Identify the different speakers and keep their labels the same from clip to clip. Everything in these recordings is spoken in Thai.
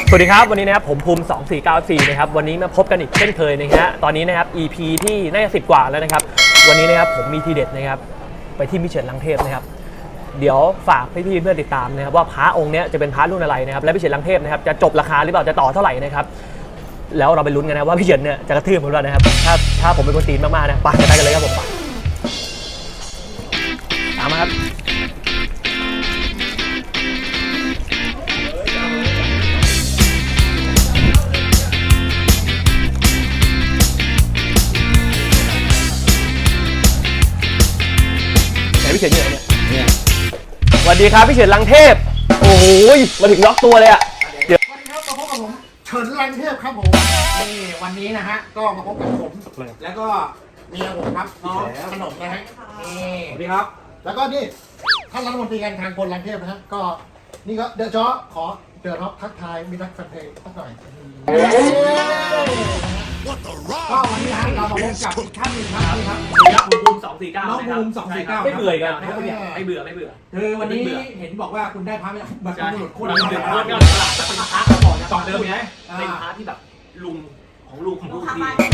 Speaker 1: สวัสดีครับวันนี้นะครับผมภูมิ2494นะครับวันนี้มาพบกันอีกเช่นเคยนะฮะตอนนี้นะครับ EP ที่น่าจะ10 กว่าแล้วนะครับวันนี้นะครับผมมีทีเด็ดนะครับไปที่มิเชลลังเทพนะครับเดี๋ยวฝากพี่ๆเพื่อนติดตามนะครับว่าพระองค์นี้จะเป็นพระรุ่นอะไรนะครับและมิเชลลังเทพนะครับจะจบราคาหรือเปล่าจะต่อเท่าไหร่นะครับแล้วเราไปลุ้นกันนะว่าพี่เชลเนี่ยจะกระทืบผมหรือเปล่านะครับถ้าผมเป็นคนตีนมากๆนะไปกันเลยครับผมตามมาครับพี่เฉินอยู่ไหนเนี่ยสวัสดีครับพี่เฉินลังเทพโอ้โหมาถึงล็อกตัวเลยอ่ะ
Speaker 2: เดี๋ยววันนี้ครับมาพบกับผมเฉินลังเทพครับผมนี่วันนี้นะฮะก็มาพบกับผมแล้วก็เมียผมครับน้องขนมนะฮะนี่สวัสดีครับแล้วก็นี่ท่านรัฐมนตรีการคลังพลลังเทพนะฮะก็นี่ก็เดอะจ๊อขอเดือดรับทักทายมิตรแฟนเพลงสักหน่อยก็วันนี้ฮะเรามาพบกับอีกท่านหนึ่งครับนี่ครับ
Speaker 1: ภูมิ249
Speaker 2: น้องภูมิ249
Speaker 1: ไม่เบื่อกันไม่เบื่อ
Speaker 2: คือวันนี้เห็นบอกว่าคุณได้พระบัตรบุรุษคุณ
Speaker 1: เป็นพระเป็นพระก่อนนะต่อเดิมไงเป็นพระที่แบบลุงของลุงดี
Speaker 2: ลุง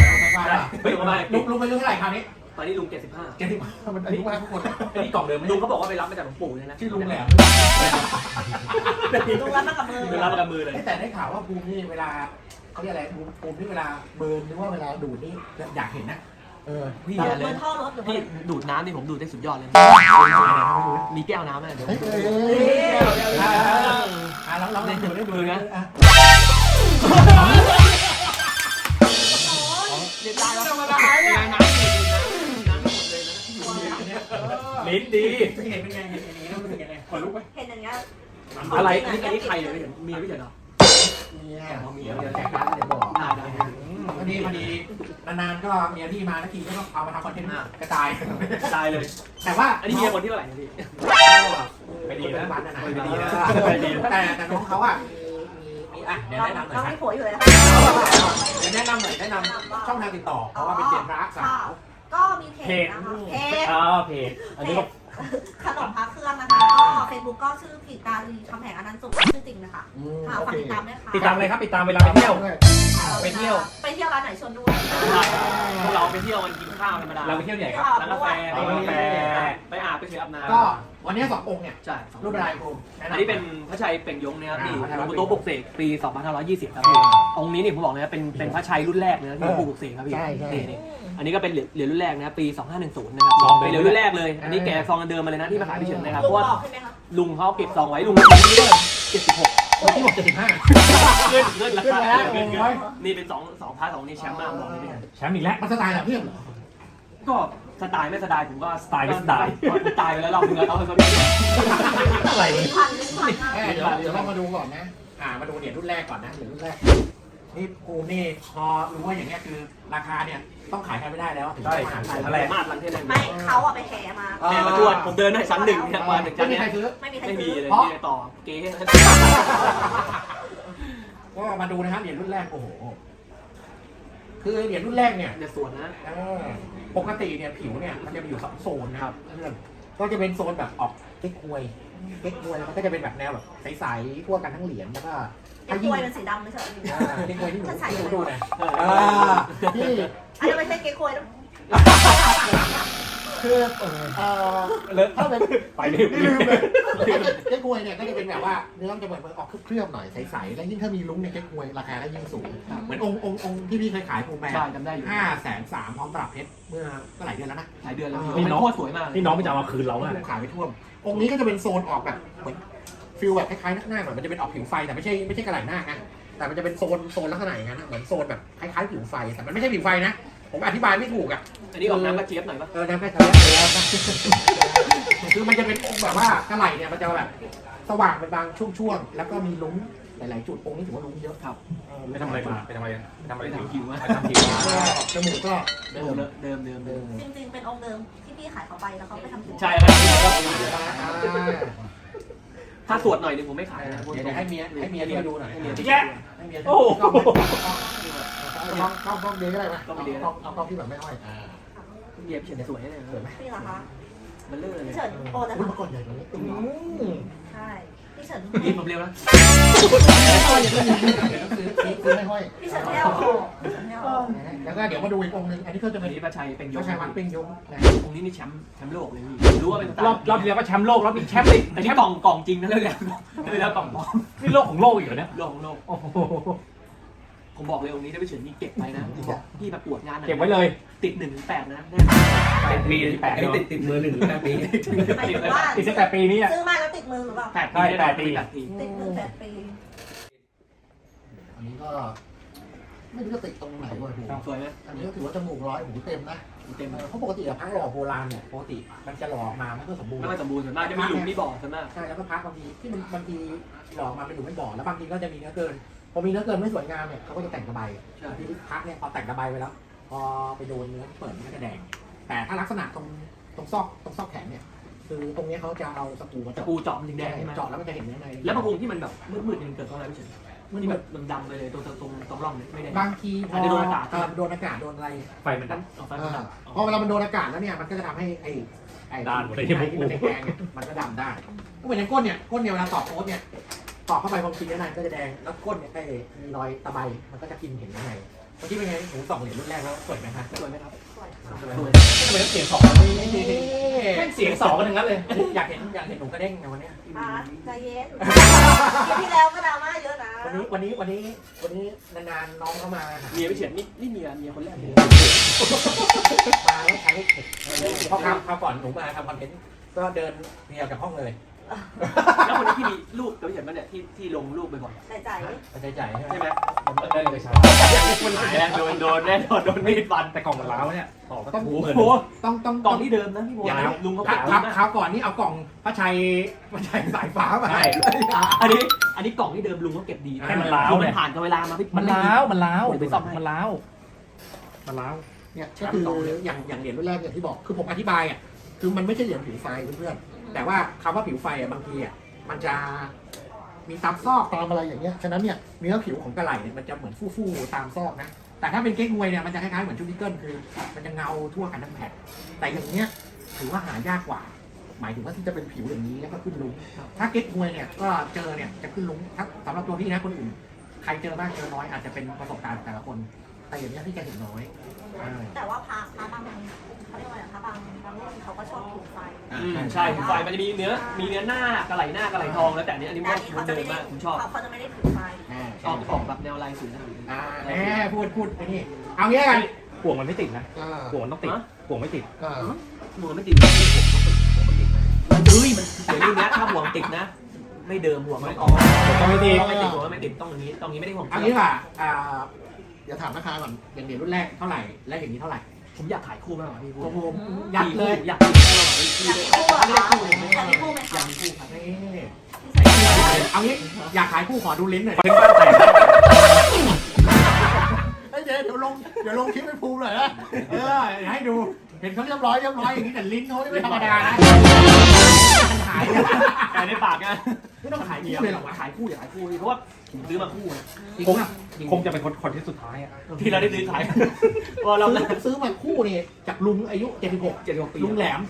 Speaker 2: ไปเรื่องเท่าไหร่คราวนี้
Speaker 1: ตอนนี้ลุง75
Speaker 2: มันอายุมากทุกคน
Speaker 1: อันนี้กล่องเดิมลุงเขาบอกว่าไปรับมาจากหลวงปู่เลยนะ
Speaker 2: ชื่อลุงแหลม
Speaker 3: ลุงรับมากับมือ
Speaker 1: เลย
Speaker 2: แต่ได้ข่าวว่าภูมินี่เวลาเขาเรียกอะไรภูมิที่เวลาเบิร์นหรือว่าเวลาดูดนี่อยากเห็นนะ
Speaker 1: พี่เลยพี่ดูดน้ำนี่ผมดูดได้สุดยอดเลยมีแก้วน้ำไหมเดี๋ยว
Speaker 2: เราเล่นดูได้ดูนะ
Speaker 1: เด็ดตายแล้วธรรมดาเนี่ยลิ้นดี
Speaker 2: เห็นเป็นไงเห็นอย่างนี้แล้วมันเป็นยังไงขอลุกไหม
Speaker 3: เห็นอย่างเงี้ย
Speaker 1: อะไรอันนี้ใครเลยไม่เห็นมีไม่เห็นหรอ
Speaker 2: เมียแจกร้านเดี๋ยวบอกพอดีนานๆก็เมียพี่มาแล้วทีก็ต้องเอามาทำคอนเทนต์กระจาย
Speaker 1: เลย
Speaker 2: แต่ว่า
Speaker 1: อันนี้เมียคนที่เท่าไหร่พี่
Speaker 2: ไม่ดีนะแต่น้องเขามีเดี๋ยวแนะนำหน่อย
Speaker 3: น้องมีผัวอยู่เลยนะ
Speaker 2: เดี๋ยวแนะนำหน่อยแนะนำช่องทางติดต่อเพราะว่าเป็นเจนพระสาว
Speaker 3: ก็มีเพจนะคะ
Speaker 1: เพจอันนี้
Speaker 3: ขนมพระเครื่องนะคะก็เฟซบุ๊กก็ชื่อผิดการีคำแหงอนันต์สุขชื่อจริงนะคะฝากติดตามด้วยค่ะ
Speaker 1: ติดตามเลยครับติดตามเวลาไปเที่ยว
Speaker 3: ร้านไหนชวนด้วย
Speaker 1: พวกเราไปเที่ยวมันกินข้าวธรรมดา
Speaker 2: เราไปเที่ยวไหนครับ
Speaker 1: ร้านกาแฟไปอาบไปเฉยอาบน้ำ
Speaker 2: ก็วันนี้2 องค์เนี่ย
Speaker 1: ใช่
Speaker 2: รุ่นอะไรครู
Speaker 1: อันนี้เป็นพระชัยเป่งยงนะครับที่หลวงปู่โตปลุกเสกปี2520ครับองค์นี้นี่ผมบอกเลยนะเป็นพระชัยรุ่นแรกเลยนะที่หลวงปู่ปลุกเสกครับพี่นี่อันนี้ก็เป็นเหรียญรุ่นแรกนะปี2510นะครับเป็นเหรียญรุ่นแรกเลยอันนี้แกะซองเดิมมาเลยนะที่มาขายพี่เฉินนะครับเพราะว่าลุงเขาเก็บซองไว้ลุง76
Speaker 2: ที่บอก75
Speaker 1: ขึ้นราคานี่เป็น2พาร์ท2นี่แชมป์มากบอกเลยพี่
Speaker 2: แชมป์อีกแล้วมันสไตล์แบบเพี้ยนเหรอ
Speaker 1: ก็สไตล์ไม่สไตล์ผมก็สไตล์ไม่สไตล์ตายไปแล้วรอบนึงแล้วเขาเป็นอะไร
Speaker 2: เดี๋ยวเรามาดูก่อนนะมาดูเหรียญรุ่นแรกก่อนนะเหรียญรุ่นแรกนี่ภูมินี่พอรู้ว่าอย่างเงี้ยคือราคาเนี่ยต้องขายกันไม่ได้แล้ว
Speaker 1: ใช่อะไรมากลังเทศ
Speaker 3: ไม่เขาไปแห่
Speaker 1: มาทวดผมเดินได้ชั้น 1เนี่ยมาถึงชั้นนี้ไม่มีเลยที่ต่อเก๊
Speaker 2: ก็มาดูนะครับเหรียญรุ่นแรกโอ้โหคือเหรียญรุ่นแรกเนี่ย
Speaker 1: จะส่วนนะ
Speaker 2: ปกติเนี่ยผิวเนี่ยมันจะมีอยู่2 โซนนะครับก็จะเป็นโซนแบบออกเก๊กฮวยมันก็จะเป็นแบบแนวแบบใสๆทั่วกันทั้งเหรียญแล้วก็
Speaker 3: เก๊กฮวยเป็นสีดำไม่ใช่
Speaker 2: เก๊กฮวยที่หนูดูนะ
Speaker 3: ที่อันนี้ไม่ใช่เก๊กฮวยแล้ว
Speaker 2: คือถ้าเป็น
Speaker 1: ไปลืม
Speaker 2: เก๊กฮวยเนี่ยก็จะเป็นแบบว่าเนื้อมันจะเหมือนออกเคลือบหน่อยใสๆแล้วยิ่งถ้ามีลุ้งในเก๊กฮวยราคาก็ยิ่งสูงเหมือนองค์ที่พี่เคยขายภูมิแม่530,000พร้อมตลับเพชรเมื่อหลายเดือนแล้วนะ
Speaker 1: หลายเดือนแล้วนี่น้องสวยมาก
Speaker 4: นี่น้องไม่จะเอามาคืนเรา
Speaker 2: ขายไปท่วมองค์นี้ก็จะเป็นโซนออกแบบเหมือนฟิลแบบคล้ายๆหน้าหน่อยมันจะเป็นออกผิวไฟแต่ไม่ใช่กระไหล่หน้านะแต่มันจะเป็นโซนลักษณะอย่างนั้นเหมือนโซนแบบคล้ายๆผิวไฟแต่มันไม่ใช่ผิวไฟนะผมอธิบายไม่ถูก
Speaker 1: อันนี้ออกน้ำกระเจี๊ยบหน่อยป่ะ
Speaker 2: น้ำกระเจี๊ยบคือมันจะเป็นองค์แบบว่ากระไหล่เนี่ยมันจะแบบสว่างเป็นบางช่วงๆแล้วก็มีลุ้งหลายๆจุดองค์นี้ถือว่าลุ้งเยอะ
Speaker 1: ครับ
Speaker 4: ไปทำอะไรมาไปทำอะไร
Speaker 1: ผิวมา
Speaker 2: จมูกก็
Speaker 1: เดิม
Speaker 3: จริงๆเป็นองค์เดิมที่พี่ขายเขาไปแล้วเขาไปทำผิว
Speaker 1: ใช่ครับถ้าสวดหน่อยนึงผมไม่ขายนะ
Speaker 2: เดี๋ยวให้เมียที่มาดูหน่อยให้เมีย
Speaker 1: โอ้
Speaker 2: ต้องเดียก็ได้ไหมต้องที่แบบไม่ห้อย
Speaker 1: เมียพี่เฉินสวยเลย
Speaker 3: สวยไหมพี่เหรอคะ
Speaker 1: มันเลื่อนเลย
Speaker 3: พี่เฉินโอ้แต่
Speaker 2: มาก่อนใหญ่กว่านี้
Speaker 3: ใช่พี่เฉิน
Speaker 1: นี่ผมเร็วนะ
Speaker 2: ซื้อไม่ห้อย
Speaker 3: พี่เฉินไม่เอาพี่เฉินไม่เอา
Speaker 2: แล้วก็เดี๋ยวมาดูอีกองค์หนึงอันนี้ก็จะ
Speaker 1: อั
Speaker 2: เป็น น
Speaker 1: นี้พระชัยเป็นย
Speaker 2: ก็
Speaker 1: ง
Speaker 2: ใช้วัดเป็นยงนะ
Speaker 1: องค์นี้นี่แชมป์โลกเลยพี่รู้ว่าเป็น
Speaker 4: รอบที่แล้วก็แชมป์โลกแล้วมีแชมป์อีก
Speaker 1: อันนี้กล่องจริงนะเรื่องเนี้ยไม่แล้วกล่องปลอม
Speaker 4: นี่โลกของโลกอีกเหรอเนี่ย
Speaker 1: โลกของโลก
Speaker 4: โอ้โห
Speaker 1: ผมบอกเลยองค์นี้ถ้าไปเฉินนี่เก็บไปนะพี่มาปวดงาน
Speaker 4: เก็บไว้เลย
Speaker 1: ติด1 ถึง 8นะ
Speaker 4: ติดปีที่8
Speaker 5: ติดมือ1 ถึง 8 ปี
Speaker 3: หมายถึงว่า
Speaker 4: ติดตั้งแต่ปีนี้อ่ะ
Speaker 3: ซื้อมาแล้วติดมือหรือเปล่า
Speaker 1: 8 ปีได้
Speaker 4: 8 ปี
Speaker 1: 8 ปี
Speaker 3: ติดมือ8 ปี
Speaker 2: อันนี้ก็ไม่รู้จะติดตรงไหนวะ
Speaker 1: สวยไหม
Speaker 2: อันนี้ก็ถือว่าจมูกร้อยหูเต็มนะ
Speaker 1: เต็ม
Speaker 2: เพราะปกติอะพระหล่อโบราณเนี่ยปกติมันจะหล่อออกมาไม่ค่อยสมบูรณ์
Speaker 1: ไม่ค่อยสมบูรณ์ส่วนมากจะมีหลุมมีบ่อส่วนมาก
Speaker 2: ใช่แล้วก็พระบางทีที่มันบางทีหล่อออกมาเป็นหลุมเป็นบ่อแล้วบางทีก็จะมีเนื้อเกินพอมีเนื้อเกินไม่สวยงามเนี่ยเขาก็จะแต่งกระบาย
Speaker 1: ใช่
Speaker 2: ที่พระเนี่ยพอแต่งกระบายไปแล้ว พอไปโดนเนื้อที่เปิดมันก็จะแดง แต่ถ้าลักษณะตรงซอกแขนเนี่ยคือตรงนี้เขาจะเอาสกรูมา
Speaker 1: ตะปูเจาะมันถึงแดงใช่ไหม
Speaker 2: เจาะแล้วมันจะเห็นเนื้อใน
Speaker 1: แล้วบางองค์ที่มันแบบมืดๆมันเกิดเพราะอะไรพี่เฉินที่แบบมันดำไปเลยตรงร่องเนี่ยไม่ได้
Speaker 2: บางทีพอ
Speaker 1: อาจจะโดนอากาศ
Speaker 2: โดนอากาศโดนอะไร
Speaker 4: ไฟมันดับ
Speaker 1: เอาไฟมันดับ
Speaker 2: พอเวลามันโดนอากาศแล้วเนี่ยมันก็จะทำให้ไอ้
Speaker 4: ด้านหมดเลย
Speaker 2: ที่มันแดงๆเนี่ยมันก็ดำได้ก็เหมือนอย่างก้นเนี่ยเวลาตอกโค้ดเนี่ยตอกเข้าไปพอกินเนื้อในก็จะแดงแล้วก้นเนี่ยไอ้มีรอยตะไบมันก็จะกินเห็นเนื้อในเมื่อกี้เป็นไงหูส่องเหรียญรุ่นแรกแล้วสวยไหมครับ
Speaker 1: สวยไหมครับ
Speaker 3: สวยค่ะ
Speaker 1: สวย
Speaker 4: ทำไมต้องเสียง2แม่งเสียง2กันทั้งนั้นเลย
Speaker 2: อยากเห็นหนูกระเด้งในวันเนี้ย
Speaker 3: ใจเย็นคลิปที่แล้วก็ดราม่าเยอะนะ
Speaker 2: วันนี้นานๆน้องเข้ามา
Speaker 1: เมียพี่เฉินนี่เมียคนแรกเลย
Speaker 2: มาแล้วใช้เทคเพราะครับก่อนหนูมาทำคอนเทนต์ก็เดินเมียกับห้องเลย
Speaker 1: แล้วคนนี้ที่มีรูปกับพี่เฉินมาเนี่ยที่ลงรูปบ่อย
Speaker 3: ใจใจ
Speaker 2: ใจใจ
Speaker 1: ๆใช่ไหม
Speaker 4: มันได้เลยใช่
Speaker 1: คนหายแล้วโดนแน่โดนมีดฟัน
Speaker 4: แต่กล่องมันล้าวเนี่ยต่อก็
Speaker 2: ต้อง
Speaker 4: ถู
Speaker 1: โอ้โห
Speaker 2: ต้อง
Speaker 1: กล่องที่เดิมนะพี่โมลุงเขา
Speaker 2: ค
Speaker 1: ปัก
Speaker 2: รับ
Speaker 1: นะ
Speaker 2: คราวก่อนนี่เอากล่องพระชัยสายฟ้ามา
Speaker 1: อันนี้กล่องที่เดิมลุงเขาเก็บดี
Speaker 4: ให้มันล้าว
Speaker 1: คือมั
Speaker 4: เนี่
Speaker 1: น
Speaker 4: ย
Speaker 1: ผ่านกับเวลามาพี่
Speaker 4: มันล้าวมันล้าว
Speaker 1: เดี๋ยวไปซ่อมให้
Speaker 4: มันล้าวมันล้าว
Speaker 2: เนี่ยก็คืออย่างเหรียญรุ่นแรกอย่างที่บอกคือผมอธิบายอ่ะคือมันไม่ใช่เหรียญผิวไฟเพื่อนๆแต่ว่าคำว่าผิวไฟอ่ะบางทีอ่ะมันจะมีตามซอกตามอะไรอย่างเงี้ยฉะนั้นเนี่ยเนื้อผิวของกระไหล่เนี่ยมันจะเหมือนฟู่ๆตามซอกนะแต่ถ้าเป็นเก๊กฮวยเนี่ยมันจะคล้ายๆเหมือนชุดนิกเกิลคือมันจะเงาทั่วกันทั้งแผ่นแต่อย่างเงี้ยถือว่าหายากกว่า หมายถึงว่าที่จะเป็นผิวอย่างนี้แล้วก็ขึ้นลุ้งถ้าเก๊กฮวยเนี่ยก็เจอเนี่ยจะขึ้นลุ้งถ้าสำหรับตัวพี่นะคนอื่นใครเจอบ้างเจอน้อยอาจจะเป็นประสบการณ์แต่ละคน แต่อย่างนี้ยพี่จะเห็นน้อย
Speaker 3: แต่ว่าพระบางเขาเรียกว่าอะไรพระบางรุ่นเขาก็ชอบถูกไฟ
Speaker 1: ใช่ไฟมันจะมีเนื้อหน้ากระไหล่หน้ากระไหล่ทองแล้วแต่อันนี้ว่ามันเดิมมากผมชอบ
Speaker 3: เขาจะไม่ได้ถูกไฟ
Speaker 1: ออกแบบแนวลายสวยนะ
Speaker 2: แหมพูดไอ้นี่เอางี้กัน
Speaker 4: ห่วงมันไม่ติดนะห่วงมันต้องติดห่วงไม่ติด
Speaker 1: หัวไม่ติดมันเฮ้ยมันเดี๋ยวนี้นะถ้าห่วงติดนะ ไม่เดิมห่วงไม่ออก
Speaker 4: ต้องไม่ติด
Speaker 1: ไม่ติดหัวไม่ติดต้องอย่างนี้ตรงนี้ไม่ได้ห่วง
Speaker 2: เอางี้ว่าเดี๋ยวถามราคาก่อนอย่างเหรียญรุ่นแรกเท่าไหร่และอย่างนี้เท่าไหร่
Speaker 1: ผมอยากขายคู่มากกว่าพี่พูด
Speaker 2: ผมยัดเลย
Speaker 1: อยากมีคู่มากกว่าพี่
Speaker 3: อยากมีคู่เหรอ
Speaker 1: ไม่ได้
Speaker 3: คะ
Speaker 1: คู่เลย
Speaker 3: อยากมีคู่ไหม
Speaker 1: อยา
Speaker 3: คะ
Speaker 1: กมีคู่ครับ
Speaker 2: นี่เอางี้อยากขายคู่ขอดูลิ้นหน่อย
Speaker 4: เป็นบ้านแตก
Speaker 2: เดี๋ยวลงคลิปให้ภูมิหน่อยนะให้ดูเห็นเขาเรียบร้อยอย่างนี้แต่ลิ้นเขาไม่ธรรมดานะขาย
Speaker 1: ขายในปากนะ
Speaker 2: ไม่ต้องขายคู่เลยหรอวะ
Speaker 1: ขายคู่อย่าขายคู่เพราะว่าผมซื้อมาคู่นะ
Speaker 4: คงจะเป็นคนที่สุดท้ายอ่ะ
Speaker 1: ที่เราได้ซื้อขายพอเรา
Speaker 2: ซื้อมาคู่นี่จากลุงอายุ76
Speaker 1: 76 ปี
Speaker 2: ลุงแหลม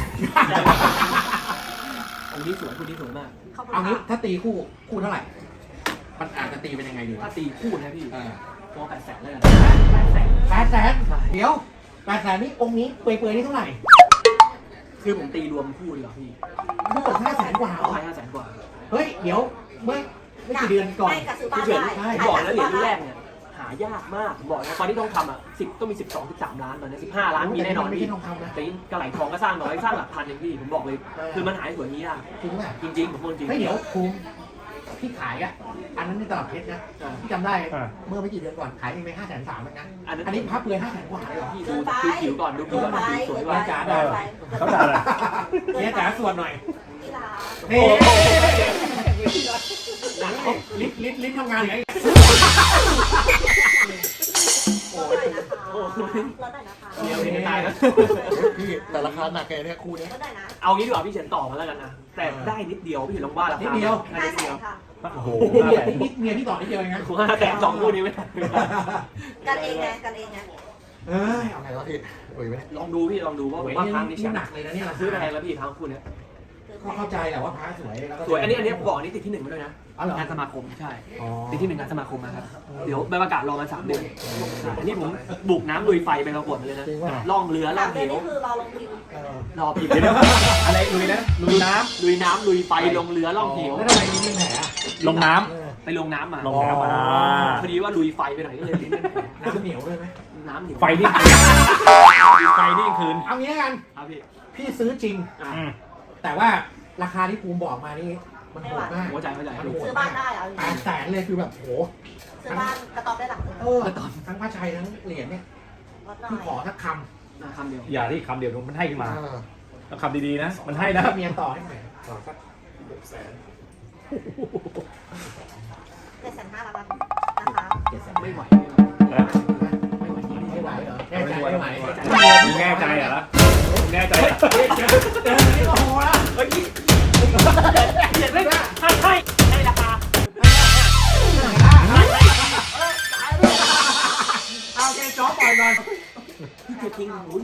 Speaker 1: องค์นี้สวยคู่นี้สวยมาก
Speaker 2: เอางี้ถ้าตีคู่เท่าไหร่ มันอาจจะตีเป็นยังไงดี
Speaker 1: ถ้าตีคู่นะพี่ ตัว800,000เลย800,000
Speaker 2: เดี๋ยว800,000นี่องค์นี้เปื่อยๆนี่เท่าไหร่
Speaker 1: คือผมตีรวมคู่ดีกว่าพี่
Speaker 2: ทั้งหมด500,000 กว่า
Speaker 1: เอาไป500,000 กว่า
Speaker 2: เฮ้ยเดี๋ยวเมื่อไม่กี่เดือนก่อน
Speaker 3: ไม่กับซื้อบ้าน
Speaker 1: พี่เฉิน
Speaker 3: ได้
Speaker 1: ผมบอกแล้วเหรียญรุ่นแรกเนี่ยหายากมากผมบอกนะตอนที่ต้องทำอ่ะ10ต้องมี12-13 ล้านตอนนี้15 ล้านมีแน่นอน
Speaker 2: ไม่
Speaker 1: พี่
Speaker 2: ใช่ทองคำนะ
Speaker 1: แต่กระไหล่ทองก็สร้างน้อยสร้างหลักพันเองพี่ผมบอกเลยคือมันหายสวยนี้อ่ะ
Speaker 2: จริงป่ะ
Speaker 1: จริงๆผมพูดจริง
Speaker 2: เฮ้ยเดี๋ยวภูมิพี่ขายอ่ะอันนั้นในตลาดเพชรนะพี่จำได้เมื่อไม่กี่เดือนก่อนขายเองไป530,000เหมือนกันอันนี้พับเปลือย500,000 กว่าเลยเหรอ
Speaker 1: พี่ดูผิวก่อนดูผิวก่อนสวย
Speaker 3: เกิ
Speaker 1: ว่าน
Speaker 3: ไป
Speaker 4: เขาด่าอะไร
Speaker 2: เนี่ยจ๋าส่วนหน่อย
Speaker 3: กีฬา
Speaker 2: นี่
Speaker 1: หนัก
Speaker 2: ลิ้นทำงานไง
Speaker 3: ลดหน่อยนะคะลดหน่อยนะคะ
Speaker 1: เดียวนี่ตายนะ
Speaker 2: พี่แต่ราคาหนักแกเนี่ยคู่นี้
Speaker 3: ลดหน่อยนะ
Speaker 1: เอางี้ดีกว่าพี่เฉินต่อมาแล้วกันนะแต่ได้นิดเดียวพี่เฉินลองว่าราคา
Speaker 2: นิดเดียว
Speaker 3: 500,000ค่ะ
Speaker 4: โอ้โห
Speaker 2: เมียพี่ต่อนิดเดียวเองนะ
Speaker 1: ผมว่าแต่2คู่นี้ไม่ได้
Speaker 3: กันเองไงกันเองไง
Speaker 2: เอ้ยเอาไงวะพี่โอ้ยไม่ได้
Speaker 1: ลองดูพี่ลองดูว่าครั้งนี้
Speaker 2: หนักเลยนะเนี่ย
Speaker 1: ซื้อแพงแล้วพี่ครั้งคู่นี้
Speaker 3: ค
Speaker 2: ก็เข้าใจแหละว่าพระสวยแล้วก็
Speaker 1: สวยอันนี้ผมบอกอันนี้ติดที่1มาด้วยนะ
Speaker 2: อ๋อเหรอง
Speaker 1: านสมาคมใช่
Speaker 2: อ๋อ
Speaker 1: ติดที่1งานสมาคมนะครับเดี๋ยวใบประกาศรอมา3 เดือนใช่อันนี้ผมบุกน้ำลุยไฟไปประกวดมาเลยนะ
Speaker 2: จริงว่า
Speaker 1: ล่องเรือล่
Speaker 3: สา
Speaker 1: อง
Speaker 3: มเดื
Speaker 1: เห
Speaker 3: อน
Speaker 1: ว
Speaker 3: นี่คือรอลงพิมพ์
Speaker 1: รอผิด
Speaker 4: อะไรลุยนะลุยน้
Speaker 1: ลุยน้ำลุยไฟลงเรือล่องเหว
Speaker 2: แล้วทำไมลิ้นเป็นแผลอะ
Speaker 4: ำลงน้
Speaker 1: ไปลงน้ำมา
Speaker 4: ำลงน้ำ
Speaker 1: พอดีว่าลุยไฟไปหน่อยก็เลยลิ้นเป็นแผล
Speaker 2: น้ำเหนียวด้วยไหม
Speaker 1: น้ำเหนียว
Speaker 4: ไฟนี่ไฟนี่คืน
Speaker 2: เอางี้แล้วกัน
Speaker 1: ครับพี่
Speaker 2: พี่ซื้อจริง
Speaker 1: อ่ะ
Speaker 2: แต่ว่าราคาที่ภูมิบอกมานี่มันโหดมาก
Speaker 1: หัวใจ
Speaker 2: มันโหด
Speaker 3: ซื้อ
Speaker 2: มา
Speaker 3: บ้าก นได้เหรอ
Speaker 2: 800,000เลยคือแบบโห
Speaker 3: ซื้อบ้านกระต๊อบได้หลังนึง
Speaker 2: ทั้งพระชัยทั้งเหรียญเนี่ย
Speaker 3: ลดหน่อ
Speaker 2: พี่ขอย สักค
Speaker 1: คำเดียว
Speaker 4: อย่าที่คำเดียวมันให้ขึ้น
Speaker 2: ำ
Speaker 4: มาแล้วคำดีๆนะ มันให้นะ
Speaker 2: เมียต่อให้หน่อยต่อสัก
Speaker 3: 750,000ละกันนะคะ
Speaker 2: 700,000
Speaker 1: ไม่ไหว
Speaker 2: ไม่ไหวเหรอแน่ใจไม่ไหว
Speaker 4: แน่ใจเหรอแน่ใจ
Speaker 2: นี่ก็โหแล้ว
Speaker 1: เฮ้ยเจ็ดเลยให้ราคา
Speaker 2: เอาแกจ้อปล่อยก่อน
Speaker 1: พี่จะทิ้งหุ้น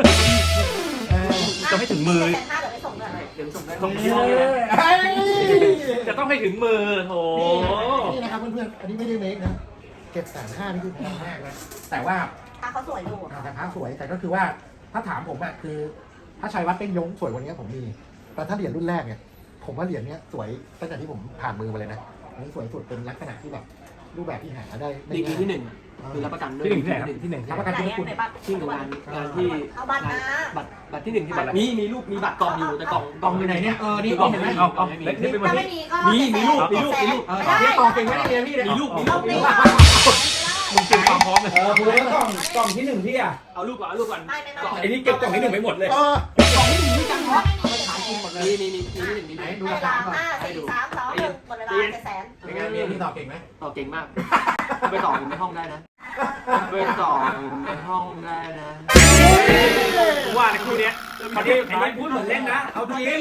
Speaker 4: จะให้ถึงมือ
Speaker 3: 750,000เดี๋ยวไปส่งเลย
Speaker 1: เดี๋ยวส่งได้
Speaker 4: ส่ง จะต้องให้ถึงมือโถ
Speaker 2: นี่นะครับเพื่อนๆอันนี้ไม่ได้เมคนะ750,000นี่คือแพงมากนะแต่ว่า
Speaker 3: ถ้าเขาสวยอยู่
Speaker 2: แต่พระสวยแต่ก็คือว่าถ้าถามผมอะคือถ้าชัยวัดเป้งยงสวยกว่านี้ผมมี แต่ถ้าเหรียญรุ่นแรกเนี่ยผมว่าเหรียญเนี้ยสวยตั้งแต่ที่ผมผ่านมือมาเลยนะอันนี้สวยสุดเป็นลักษณะที่แบบรูปแบบที่หาได้ไม่
Speaker 1: ดี
Speaker 2: ง่าย
Speaker 1: ที่ 1คือรับประกันด้วย
Speaker 4: ที่หนึ่งที่ไหนครับที่หนึ่ง
Speaker 2: รับประกัน
Speaker 3: ไหน
Speaker 2: ที่
Speaker 3: อะ
Speaker 2: คุณ
Speaker 3: ไหนบัตร
Speaker 1: ที่งานที่
Speaker 3: เอาบัตรนะ
Speaker 1: บัตรที่1ที่บัตรมีรูปมีบัตรกองอยู่แต่กอง
Speaker 2: กองอยู่ไหนเนี่ยนี่
Speaker 4: เอา
Speaker 2: เห็นไหม
Speaker 4: เอาเล็กนี่เป็นวัน
Speaker 3: ถ้า
Speaker 4: นี้
Speaker 3: ไม่มีก็
Speaker 1: มีรูป
Speaker 3: ไม่ได้
Speaker 2: นี่กองเก่งไม่ได้เรียนพี่เลย
Speaker 1: มีรูป
Speaker 3: เอาไม่ได้
Speaker 4: มึงเตรียมความพร้อมเลย
Speaker 2: พูดแล้วกล่องที่1พี่อะ
Speaker 1: เอารูปก่อนเอารูปก่อน
Speaker 3: ไม่
Speaker 4: ไอ้นี่เก็บกล่องที่1ไปหมดเลย
Speaker 2: กล่องที่1พี่จังวะขายกินหมดเลย
Speaker 1: มีที่1มี
Speaker 2: ไหน
Speaker 1: ไหน
Speaker 2: ดู
Speaker 3: เว
Speaker 2: ราคา
Speaker 3: ลา
Speaker 2: ก่อน
Speaker 3: 5 4 3 2 1หมดเวลา700,000
Speaker 2: เป็นไงเรียนพี่ตอบเก่งไหม
Speaker 1: ต่อเก่งมากไปต่อผมในห้องได้นะไปต่อผมในห้องได้นะ
Speaker 4: ว่าในคู่เนี้ยตอนนี้พูดเหมือนเล่นนะ เอาจริง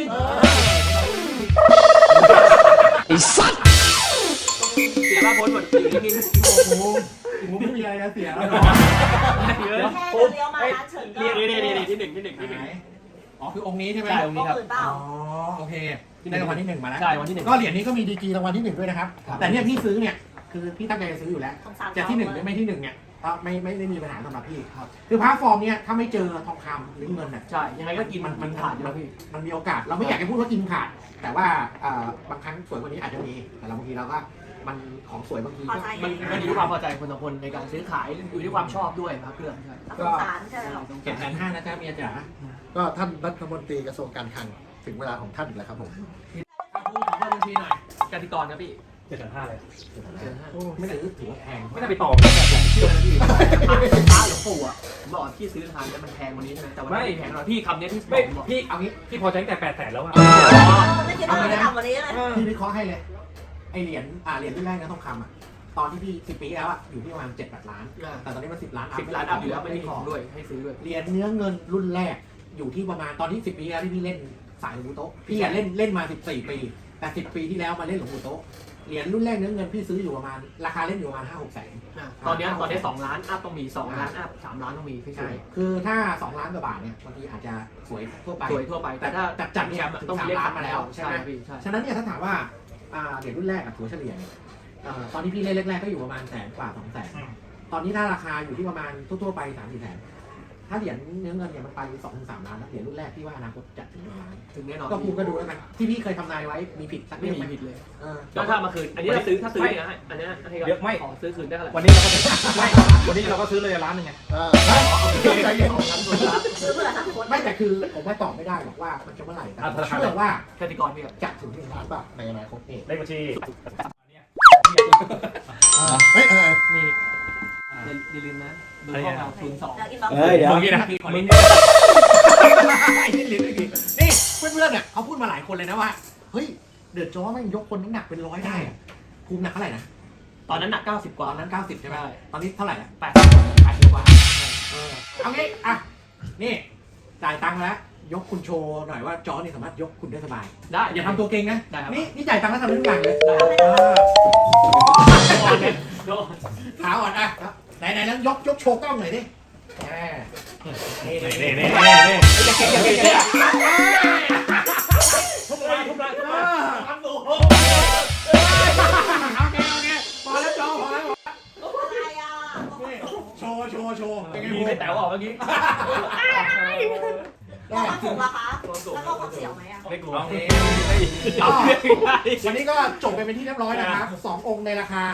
Speaker 1: เสียบ้าพ้นหมดอยู่นิ่ง
Speaker 2: โอ้โหผมไม่มีอะไรนะเสียแล้ว
Speaker 1: ๆเยอะ
Speaker 3: แค่เลี้ยวมาร้านเฉินก็
Speaker 1: นี่ที่หนึ่ง
Speaker 2: อ๋อคือองค์นี้ใช่ไหม
Speaker 1: ใช่ตรงนี้ครับ
Speaker 3: อื่นเปล่า
Speaker 2: อ๋อโอเคได้รางวัลที่1มาแล้ว
Speaker 1: ใช่วันที่ 1
Speaker 2: ก็เหรียญนี้ก็มีดีกรีรางวัลที่1ด้วยนะครับ แต่เนี่ยพี่ซื้อเนี่ยคือพี่ตั้งใจจะซื้ออยู่แล้ว
Speaker 3: สงสาร
Speaker 2: จะที่1หรือไม่ที่1เนี่ยก็ไม่ได้มีปัญหาสำหรับพี่ครับคือพระฟอร์มเนี่ยถ้าไม่เจอทองคำหรือเงินเนี่ย
Speaker 1: ใช่ยังไงก็กินมันขาดอยู่แล้วพี่
Speaker 2: มันมีโอกาสเราไม่อยากจะพูดว่ากินขาด แต่ว่าบางครั้งสวยกว่านี้อาจจะมีแต่เราบางทีเราก็มันของสวยบางที
Speaker 3: พอ
Speaker 2: ก็
Speaker 3: ใจ
Speaker 1: มันอยู่ที่ความพอใจคนต่อคนในการซื้อขายอยู่ที่ความชอบด้วยครับเพื่อนใช่
Speaker 3: สงสารใช่ไหมหรอ
Speaker 2: 750,000นะจ๊ะเมียจ๋าก็ท่านรัฐมนตรีกระทรวงการคลังถึงเวลาของท่านอีกแล้วครับผม
Speaker 1: พูดของบัญชีหน่อยกติกรครับพี่
Speaker 4: 7,500เลย
Speaker 2: ไม่ซื้อถือว่าแพง
Speaker 4: ไม่ได้ไปต่อ
Speaker 1: เชื่อนะพี่พระหลวงปู่อ่ะผมบอกพี่ซื้อทานแล้วมันแพงกว่านี้ใช่ไหมแต่ว่าไม่แพงหรอกพี่คำนี้ที่
Speaker 4: ไม่
Speaker 1: ผมบอก
Speaker 4: พี่เอางี้พี่พอใจตั้งแต่800,000แล้วอะ
Speaker 3: ไม่คิดว่าจะทำวันนี้เลย
Speaker 2: พี่วิเคราะห์ให้เลยไอเหรียญรุ่นแรกนะทองคำอ่ะตอนที่พี่10 ปีแล้วอ่ะอยู่ที่ประมาณ7-8 ล้านแต่ตอนนี้มัน10 ล้าน
Speaker 1: 10 ล้านอัพอยู่แล้วไม่มีของด้วยให้ซื้อด้วย
Speaker 2: เหรียญเนื้อเงินรุ่นแรกอยู่ที่ประมาณตอนที่10 ปีแล้วที่พี่เล่นสายหลวงปู่โต๊ะพี่เล่นมา14 ปีแต่10 ปีที่แล้วมาเล่นหลวงปู่โต๊ะเหรียญรุ่นแรกเนื้อเงินพี่ซื้ออยู่ประมาณราคาเล่นอยู่ประมาณ 5-6 แสน
Speaker 1: ตอนนี้2 ล้านอัพต้องมี2 ล้านอัพ3 ล้านต้องมีพี่
Speaker 2: ใช่
Speaker 1: ช่วย
Speaker 2: คือถ้า2 ล้านกว่าบาทเนี่ยบางทีอาจจะสวยทั่วไป
Speaker 1: สวยทั่วไปแต่ถ้า
Speaker 2: จัดเนี่ยถึง
Speaker 1: ต้องมี
Speaker 2: 3 ล้านมาแล้วใช่
Speaker 1: ใช่
Speaker 2: ไหม
Speaker 1: พี่ใช่
Speaker 2: ฉะนั้นเนี่ยถ้าถามว่าเหรียญรุ่นแรกกับถัวเฉลี่ยเนี่ยตอนที่พี่เล่นแรกๆก็อยู่ประมาณ100,000 กว่า200,000ตอนนี้ถ้าราคาอยู่ที่ประมาณทั่วๆไป3-4 แสนถ้าเหรียญเนื้อเงินเนี่ยมันไป 2-3 ล้านแล้วเหรียญรุ่นแรกพี่ว่าอนาคตจะถึง1 ล้าน
Speaker 1: ถึงแน่นอน
Speaker 2: ก็ภูมิก็ดูแล้วกันที่พี่เคยทำนายไว้มีผิดสัก
Speaker 1: ไม่
Speaker 2: เรื่อง
Speaker 1: มี
Speaker 2: ไหม
Speaker 1: ผิดเลย
Speaker 2: เออ
Speaker 1: แล้วถ้ามาคืนอันนี้ถ้าซื้อเนี่ยฮะอันนี้ให้
Speaker 4: เดี๋ยวไม่
Speaker 1: ขอซื้อคืนได้เท่าไหร่
Speaker 4: วันนี้เราก็ไม่วันนี้เราก็ซื้อเลย1 ล้านไง
Speaker 2: ใจเย็น
Speaker 3: ซื้อเพื่อทั้งคน
Speaker 2: ไม่แต่คือผมว่าตอบไม่ได้หรอกว่ามันจะเมื่อไหร่แต่ผมเชื่อว่า
Speaker 1: กติกรพี่ครับ
Speaker 2: จะถึง1 ล้านบาทในอนาคตเอง
Speaker 4: เลขบัญชี
Speaker 2: เฮ้ย
Speaker 1: นี่อย่าลืมนะดูห้องเรา02
Speaker 3: แล้วอินบ็อกซ์
Speaker 4: เฮ้ยเดี๋ยวมึงนะ
Speaker 2: มึงไอ้ที่ลิ้นไม่ดีนี่เพื่อนๆเนี่ยเขาพูดมาหลายคนเลยนะว่าเฮ้ยเดือดจ้อแม่งยกคนน้ำหนักเป็น100ได้อะภูมิหนักเท่าไหร่นะ
Speaker 1: ตอนนั้นหนัก90 ก
Speaker 2: ต
Speaker 1: ว่า
Speaker 2: อนนั้น90ใช่ไหม
Speaker 1: ใช่
Speaker 2: ตอนนี้เท่าไหร่ละ
Speaker 1: 80
Speaker 2: 80กว่าเอางี้อ่ะนี่จ่ายตังค์แล้วยกคุณโชว์หน่อยว่าจอนี่สามารถยกคุณได้สบาย
Speaker 1: ได้
Speaker 2: อย่าทำตัวเก่งนะ
Speaker 1: ได้ครับ
Speaker 2: นี่จ่ายตังค์แล้วทำได้ทุกอย่างเลย
Speaker 1: ได้
Speaker 2: เออขาอ่อนอ่ะไหนแล้วยกโชว์กล้องหน่อยดินี่
Speaker 4: นี่
Speaker 2: อย่าเก่งอย่าเก่งอย่าเก่ง
Speaker 4: ทุบเลยทุบเลย
Speaker 2: ทำสูงโอเคพอแล้วจอพอแล้ว
Speaker 3: อะไรอ่ะ
Speaker 2: โชว์เป็นไง
Speaker 4: มี
Speaker 2: บู
Speaker 4: ไม่แต๋วออกเมื่อกี้
Speaker 3: แล้วความสูงล่ะคะ แล้วก็ความเสียวไหมอ่ะ
Speaker 4: ไม่กลัว
Speaker 2: วันนี้ก็จบไปเป็นที่เรียบร้อยนะครับ2 องค์ในราคา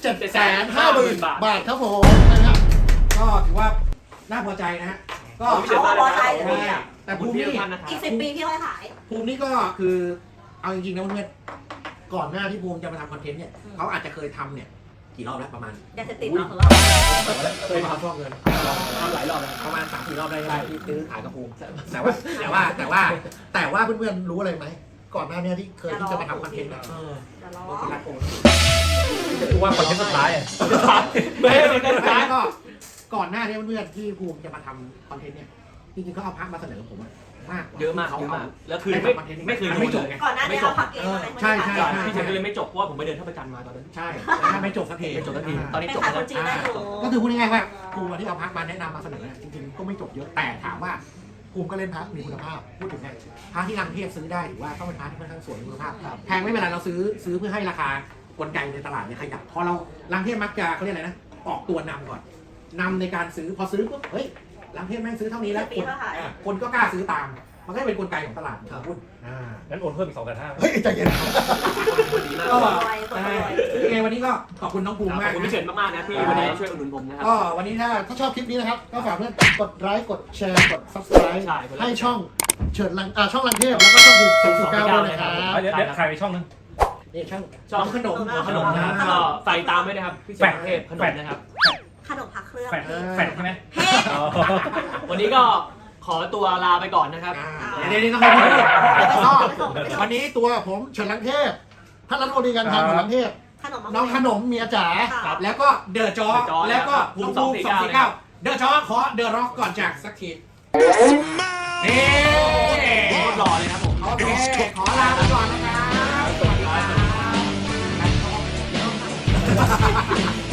Speaker 2: 750,000 บาทครับผมนะครับก็ถือว่าน่าพอใจนะฮะก็
Speaker 3: เขาพอใจเลย
Speaker 2: แต่ภูมินี่
Speaker 3: อีก10 ปีพี่ค่อยขาย
Speaker 2: ภูมินี่ก็คือเอาจริงๆนะเพื่อนๆก่อนหน้าที่ภูมิจะมาทำคอนเทนต์เนี่ยเขาอาจจะเคยทำเนี่ยกี่รอบแล้วประมาณ
Speaker 3: ยาเสพติดเนาะของเรา
Speaker 2: เคยมาฟอกเงิน
Speaker 4: ทำหลายรอบแล้ว
Speaker 2: ประมาณ3-4 รอบได้ที่ซื้อขายกระภูมิแต่ว่าเพื่อนๆรู้อะไรไหมก่อนหน้านี้ที่เคยที่จะมาทำคอนเทนต์อะ
Speaker 3: จะล้อ
Speaker 2: รักองค์
Speaker 1: กูว่าคอนเทนต์สุดท้ายอ่ะ
Speaker 4: ไม่ให้มันได้ท้าย
Speaker 2: ก็ก่อนหน้านี้เพื่อนๆที่ภูมิจะมาทำคอนเทนต์เนี่ยจริงๆเขาเอาพักมาเสนอผมอะมาก
Speaker 4: เยอะมาก
Speaker 2: เขา
Speaker 4: เยอะ
Speaker 2: เอา
Speaker 4: มากแล้วคือไม่เคยโดนเลย
Speaker 3: ก่อนหน้านี้เราพักเองอะไร
Speaker 2: ใช่
Speaker 4: พี่เฉยก็เลยไม่จบเพราะว่าผมไปเดินท่าประจันมาตอนนั้น
Speaker 2: ใช่ไม่จบสักที
Speaker 4: ไม่จบสักทีตอนนี้
Speaker 3: เป็น
Speaker 4: จบ
Speaker 3: ขาย
Speaker 4: แล้
Speaker 3: คว นจีนได้อยู่
Speaker 2: ก็คือพูดง่ายๆว่าภูมิที่เอาพักมาแนะนำมาเสนอจริงๆก็ไม่จบเยอะแต่ถามว่าภูมิก็เล่นพักมีคุณภาพพูดถึงเนี่ยพระที่รังเทพซื้อได้ถือว่าต้องเป็นพระที่ค่อนข้างสวยมีคุณภาพแพงไม่เป็นไรเราซื้อเพื่อให้ราคากลไกในตลาดเนี่ยขยับพอเรารังเทพมักจะเขาเรียกอะไรนะออกตัวนำก่อนนำในการซื้อพอซื้อปุ๊บเฮ้ยรังเทพแม่งซื้อเท่านี้แล้วคนก็กล้าซื้อตามมันก็เป็นกลไกของตลาดหุ้น
Speaker 1: งั้นโอนเพิ่มอีก2,500
Speaker 2: เฮ้ยใจเย็น
Speaker 4: ดีมาก
Speaker 3: ตัว
Speaker 4: ข
Speaker 3: รวยตัวรวย
Speaker 2: ยังไงวันนี้ก็ขอบคุณน้องภูมิ
Speaker 4: อบ
Speaker 2: มาก
Speaker 4: คุณพี่เฉินมากๆนะที่วันนี้ช่วยอุดหนุนผมนะครับ
Speaker 2: ก็วันนี้ถ้าชอบคลิปนี้นะครับก็ฝากเพื่อนกดไลค์กดแชร์กด subscribe
Speaker 4: ใช่
Speaker 2: ให้ช่องเฉิดลังช่องลังเทพแล้วก็ช่อง249ด้วยนะครับ
Speaker 1: เดี๋ยวใครไปช่องนึง
Speaker 2: นี่ช่อง
Speaker 4: ชอบขนมนะครับก็ใส่ตามด้วยนะครับพี่เฉินเทพขนมนะครับ
Speaker 3: ขนมพักเครื่อง
Speaker 1: แฟนใช่ไหม
Speaker 3: เฮ้
Speaker 4: วันนี้ก็ขอตัวลาไปก่อนนะครับ
Speaker 2: เดี๋ยวต้องให้พี่วันนี้ตัวผมเฉิดลังเทพท่านรัฐมนตรีการทางของลังเทพ
Speaker 3: ขนม
Speaker 2: น้องขนมเมียจ๋า
Speaker 3: ครับ
Speaker 2: แล้วก็เดอะจอแล้วก็ภูมิ249เดอะจอขอเดอะร็อกก่อนจากสักทีนี่
Speaker 4: รอเลยครับผม
Speaker 2: โอเคขอลาไปก่อนนะครับสวัสดีครับ